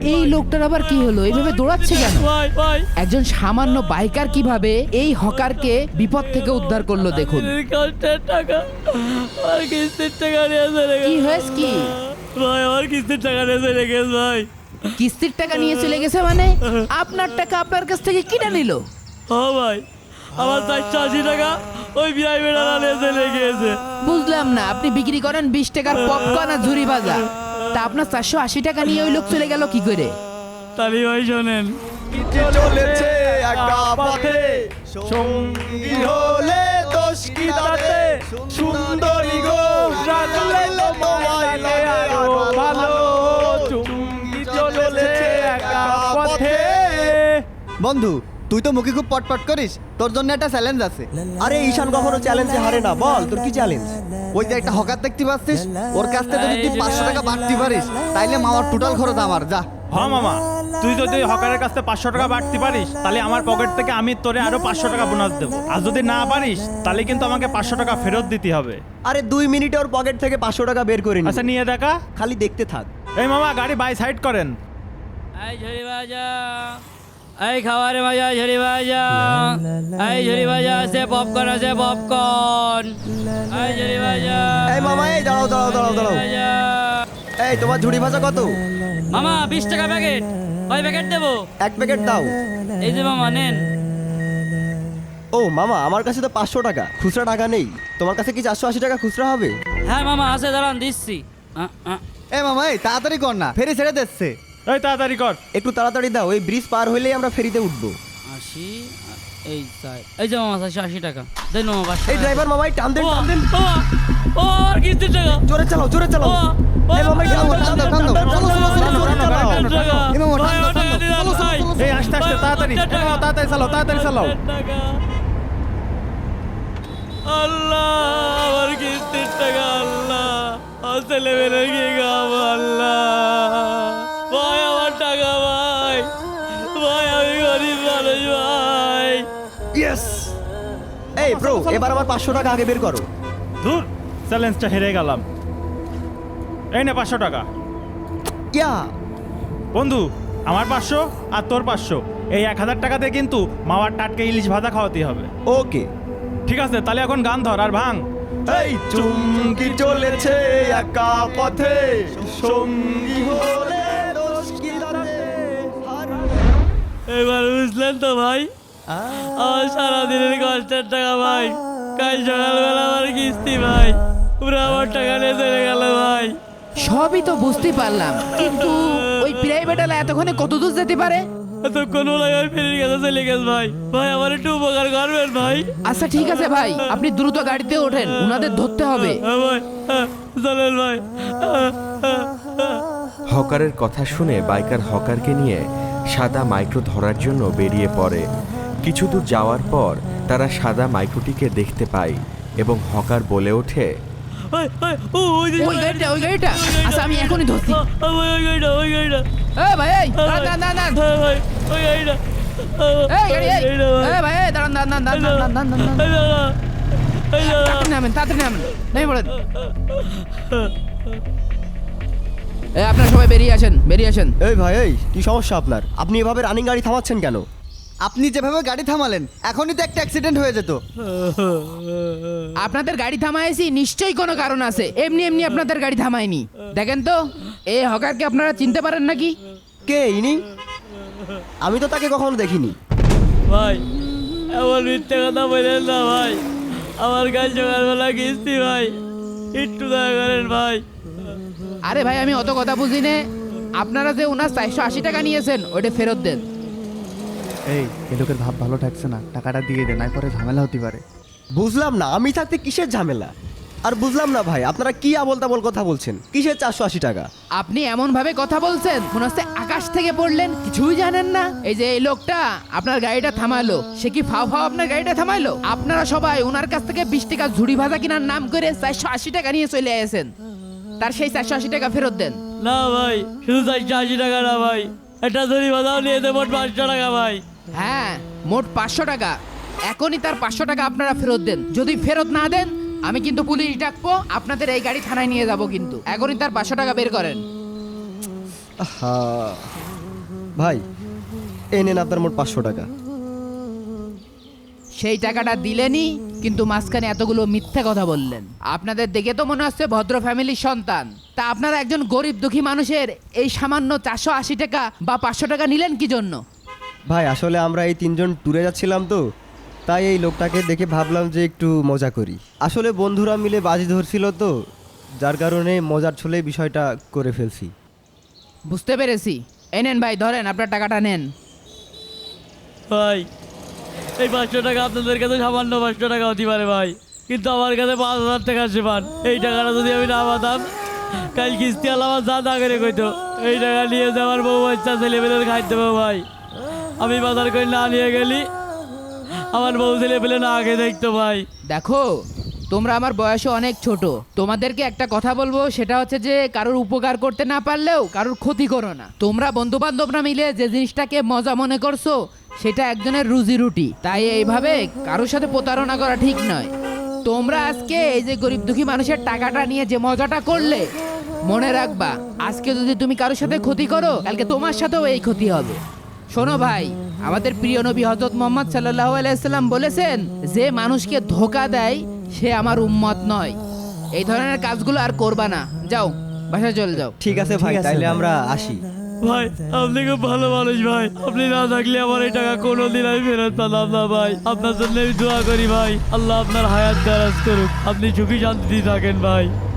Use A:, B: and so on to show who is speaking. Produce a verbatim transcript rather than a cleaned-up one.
A: এই লোকটার আবার কি হলো, এইভাবে দৌড়াচ্ছে কেন?
B: ভাই ভাই
A: একজন সামান্য বাইকার কিভাবে এই হকারকে বিপদ থেকে উদ্ধার করলো দেখুন।
B: কষ্টের টাকা আর কিস্তির টাকা নিয়ে চলে গেছে।
A: কি হয়েছে কি?
B: ভাই আমার কিস্তির টাকা নিয়ে চলে গেছে ভাই।
A: কিস্তির টাকা নিয়ে চলে গেছে মানে? আপনার টাকা আপনার কাছ থেকে কিনে নিল?
B: ও ভাই আমার চারশো আশি টাকা ওই প্রাইভেট নিয়ে চলে গিয়েছে।
A: বুঝলাম না, আপনি বিক্রি করেন বিশ টাকার পপকর্ন আর ঝুরি ভাজা, তা আপনার চারশো আশি টাকা নিয়ে ওই লোক চলে গেল কি করে?
B: তালি ভাই শোনেন,
C: চলেছে একা পথে সঙ্গী হলে দোষ কি তাতে সুন্দরী গো রাখলে তোমায় লাগে আরো ভালো চুঙ্গি চলেছে একা পথে। বন্ধু তুই তো মুখে খুব পটপট করিস, তোর জন্য একটা চ্যালেঞ্জ আছে।
D: আরে ঈশান কখনো চ্যালেঞ্জে হারে না, বল তোর কি চ্যালেঞ্জ?
C: ওই যে একটা হকার দেখতে পাচ্ছিস, ওর কাছ থেকে যদি তুই পাঁচশো টাকা বাড়তে পারিস তাইলে মামার টোটাল খরচ আমার। যা
E: হ্যাঁ মামা, তুই যদি হকারের কাছ থেকে পাঁচশো টাকা বাড়তে পারিস তাহলে আমার পকেট থেকে আমি তোরে আরো পাঁচশো টাকা বোনাস দেবো, আর যদি না পারিস তাহলে কিন্তু আমাকে পাঁচশো টাকা ফেরত দিতে হবে।
D: আরে দুই মিনিটে ওর পকেট থেকে পাঁচশো টাকা বের করে নি,
E: আচ্ছা নিয়ে দেখা,
D: খালি দেখতে থাক।
E: এই মামা গাড়ি বাই সাইড করেন।
B: এই ঝুরি ভাজা, এই খাবারে ভাজা ঝুরি ভাজা, এই ঝুরি ভাজা আছে পপকর্ন আছে পপকর্ন, এই ঝুরি ভাজা।
D: এই মামা এই দাঁড়াও দাঁড়াও দাঁড়াও দাঁড়াও
B: ভাজা।
D: এই তোমার ঝুড়ি ভাজা কত?
B: মামা বিশ টাকা প্যাকেট, কয় প্যাকেট দেবো?
D: এক প্যাকেট দাও।
B: এই যে মামা নেন।
D: ও মামা আমার কাছে তো পাঁচশো টাকা খুচরা টাকা নেই, তোমার কাছে কি চারশো আশি টাকা খুচরা হবে?
B: হ্যাঁ মামা আছে, দাঁড়ান দিচ্ছি। আ, আ।
C: এ মামা এই তাড়াতাড়ি কর না, ফেরি ছেড়ে দিচ্ছে।
E: এই তাড়াতাড়ি কর।
D: একটু তাড়াতাড়ি দাও, এই ব্রিজ পার হইলেই আমরা ফেরিতে উঠবো।
B: আশি, এই চাই, এই যে মামা চারশো আশি টাকা দেন মামা। পাঁচশো
D: এই
B: টাকা।
D: ড্রাইভার মামাই টান দেন টান দেন,
B: বাবা, ও আর কিস্তির টাকা।
D: জোরে চালাও জোরে চালাও।
B: বাবা,
D: এই মামাই টান
C: টান দাও, টান দাও, টান দাও,
D: চলো, চলো, চলো, জোরে চালাও।
B: টাকা।
C: এ মামা,
B: ভাই,
C: টান দাও,
B: ও টাকা
C: টান দাও,
B: দিলাম,
C: চলো, চলো,
B: ভাই।
C: চলো,
E: এই আস্তে আস্তে তাড়াতাড়ি, এই মামা, তাড়াতাড়ি চালাও তাড়াতাড়ি চালাও।
B: টাকা। আল্লাহ আমার কিস্তির টাকা, আল্লাহ আমার ছেলে মেয়ের কি খাবো, আল্লাহ ভাই আমার টাকা ভাই, ভাই আমি গরিব মানুষ ভাই।
D: ইয়েস। এই ব্রো এবার আমার পাঁচশো টাকা আগে বের করো।
E: ধুর, চ্যালেঞ্জটা হেরে গেলাম। এই নে পাঁচশো টাকা।
D: ইয়া
E: বন্ধু আমার পাঁচশো আর তোর পাঁচশো, এই এক হাজার টাকাতে কিন্তু মামার টাটকে ইলিশ ভাজা খাওয়াতে হবে।
D: ওকে।
E: ঠিক আছে, তাহলে এখন গান ধর আর ভাঙ।
D: এই চুমকি চলেছে একা পথে সঙ্গী হলে দোষ কি তাতে
B: এবার বুঝলেন তো ভাই, আমার সারাদিনের কষ্টের টাকা ভাই, কাল সকালবেলা আমার কিস্তি ভাই, পুরো আমার টাকা নিয়ে চলে গেল ভাই।
A: সবই তো বুঝতে পারলাম, কিন্তু ওই প্রাইভেট ওয়ালা এতক্ষণে কত দূর যেতে পারে?
B: এতক্ষণ ওলাই ফেরির কাছে চলে গেছে ভাই, ভাই আমার একটু উপকার করবেন ভাই।
A: আচ্ছা ঠিক আছে ভাই, আপনি দ্রুত গাড়িতে ওঠেন, উনাদের ধরতে হবে।
B: হ্যাঁ ভাই, হ্যাঁ, চলেন ভাই।
F: হকারের কথা শুনে বাইকার হকারকে নিয়ে সাদা মাইক্রো ধরার জন্য বেরিয়ে পড়ে। কিছু দূর যাওয়ার পর তারা সাদা মাইক্রোটিকে দেখতে পায় এবং হকার বলে ওঠে,
B: ভাই, ভাই, ও, ওই যে-
A: ওই গাড়িটা ওই গাড়িটা আচ্ছা আমি এখনই ধরছি।
B: আ, আ, ভাই, ওই গাড়িটা, ওই গাড়িটা।
A: এ ভাই এই দাঁড়ান দাঁড়ান দাঁড়ান।
B: হ্যাঁ ভাই, ওই গাড়িটা। আ,
A: এই গাড়ি এই
B: গাড়িটা ভাই।
A: এ ভাই এই দাঁড়ান দাঁড়ান দাঁড়ান দাঁড়ান দাঁড়ান দাঁড়ান দাঁড়ান।
B: এই দাদা, এই দাদা।
A: তাড়াতাড়ি নামেন তাড়াতাড়ি নামেন, নেমে পড়েন। এ আপনারা সবাই বেরিয়ে আসেন বেরিয়ে আসেন।
D: এই ভাই এই কি সমস্যা আপনার? আপনি এভাবে রানিং গাড়ি থামাচ্ছেন কেন?
C: আপনি যেভাবে গাড়ি থামালেন এখনই তো একটা অ্যাক্সিডেন্ট হয়ে যেত।
A: আপনাদের গাড়ি থামাইছি নিশ্চয়ই কোনো কারণ আছে, এমনি এমনি আপনাদের গাড়ি থামাইনি। দেখেন তো এই হকারকে আপনারা চিনতে পারেন নাকি?
D: কে ইনি? আমি তো তাকে কখনো দেখিনি।
B: ভাই এমন মিথ্যে কথা বলেন না ভাই, আমার কাল সকালবেলা কিস্তি ভাই, একটু দয়া করেন ভাই।
A: আরে ভাই আমি অত কথা বুঝি নে, আপনারা যে ওনার চারশো আশি টাকা নিয়েছেন ওইটা ফেরত দেন।
G: এই এ লোকের ভাব ভালো ঠাকছে না, টাকাটা দিয়ে দে, নাই পরে ঝামেলা হতে পারে।
D: বুঝলাম না আমি থাকতে কিসের ঝামেলা, আর বুঝলাম না ভাই আপনারা কি আবল তাবল কথা বলছেন, কিসের চারশো আশি টাকা?
A: আপনি এমন ভাবে কথা বলছেন মনে হচ্ছে আকাশ থেকে পড়লেন, কিছুই জানেন না। এই যে এই লোকটা আপনার গাড়িটা থামালো, সে কি ফাও ফাও আপনার গাড়িটা থামাইলো? আপনারা সবাই ওনার কাছ থেকে বিশ টাকা ঝুড়ি ভাজা কেনার নাম করে চারশো আশি টাকা নিয়ে চলে আসেন, তার সেই চারশো আশি টাকা ফেরত দেন।
B: না ভাই, শুধু চারশো আশি টাকা না ভাই, একটা ধরি বাজাও নিয়ে দেবো পাঁচশো টাকা ভাই।
A: হ্যাঁ মোট পাঁচশো টাকা, এখনই তার পাঁচশো টাকা আপনারা ফেরত দেন। যদি ফেরত না দেন আমি কিন্তু পুলিশ ডাকবো, আপনাদের এই গাড়ি থানায় নিয়ে যাব। কিন্তু এখনই তার পাঁচশো টাকা বের করেন।
D: আহা ভাই এই নেন আপনার মোট পাঁচশো টাকা।
A: সেই টাকাটা দিলেনই, কিন্তু মাঝখানে এতগুলো মিথ্যে কথা বললেন। আপনাদের দেখে তো মনে হচ্ছে ভদ্র ফ্যামিলির সন্তান, তা আপনারা একজন গরিব দুঃখী মানুষের এই সামান্য চারশো আশি টাকা বা পাঁচশো টাকা নিলেন কি জন্য?
D: ভাই আসলে আমরা এই তিনজন ট্যুরে যাচ্ছিলাম তো, তাই এই লোকটাকে দেখে ভাবলাম যে একটু মজা করি। আসলে বন্ধুরা মিলে বাজি ধরছিল তো, যার কারণে মজার ছলে বিষয়টা করে ফেলছি।
A: বুঝতে পেরেছি। এই নেন ভাই, ধরেন আপনার টাকাটা নেন।
B: ভাই এই পাঁচশো টাকা আপনাদের কাছে সামান্য পাঁচশো টাকা হতে পারে ভাই, কিন্তু আমার কাছে পাঁচ হাজার টাকা আছে পান। এই টাকাটা যদি আমি না পাতাম, কাল কিস্তি আলা আমার যা না করে কইতো এই টাকা নিয়ে যে আমার বউ বাচ্চা ছেলেপেলের খাইতে দেবো ভাই। আমি বাজার করে না নিয়ে গেলি আমার বউ ছেলেপেলে না আগে দেখতো ভাই।
A: দেখো, তোমরা আমার বয়সে অনেক ছোট, তোমাদেরকে একটা কথা বলবো, সেটা হচ্ছে যে কারোর উপকার করতে না পারলেও কারোর ক্ষতি করো না। তোমরা বন্ধু বান্ধবরা মিলে যে জিনিসটাকে মজা মনে করছো, সেটা একজনের রুজি রুটি, তাই এইভাবে কারোর সাথে প্রতারণা করা ঠিক নয়। তোমরা আজকে এই যে গরিব দুঃখী মানুষের টাকাটা নিয়ে যে মজাটা করলে, মনে রাখবা আজকে যদি তুমি কারোর সাথে ক্ষতি করো, কালকে তোমার সাথেও এই ক্ষতি হবে। শোনো ভাই, আমাদের প্রিয় নবী হযরত মুহাম্মদ সাল্লাল্লাহু আলাইহি সাল্লাম বলেছেন, যে মানুষকে ধোঁকা দেয় সে আমার উম্মত নয়। এই ধরনের কাজগুলো আর করবা না। যাও, বাসায় চলে যাও।
D: ঠিক আছে ভাই, তাইলে আমরা আসি।
B: ভাই আপনি খুব ভালো মানুষ ভাই, আপনি না থাকলে আমার এই টাকা কোনোদিন আমি ফেরত পেলাম না ভাই। আপনার জন্য আমি দোয়া করি ভাই, আল্লাহ আপনার হায়াত দারাজ করুক, আপনি সুখী শান্তিতে থাকেন ভাই।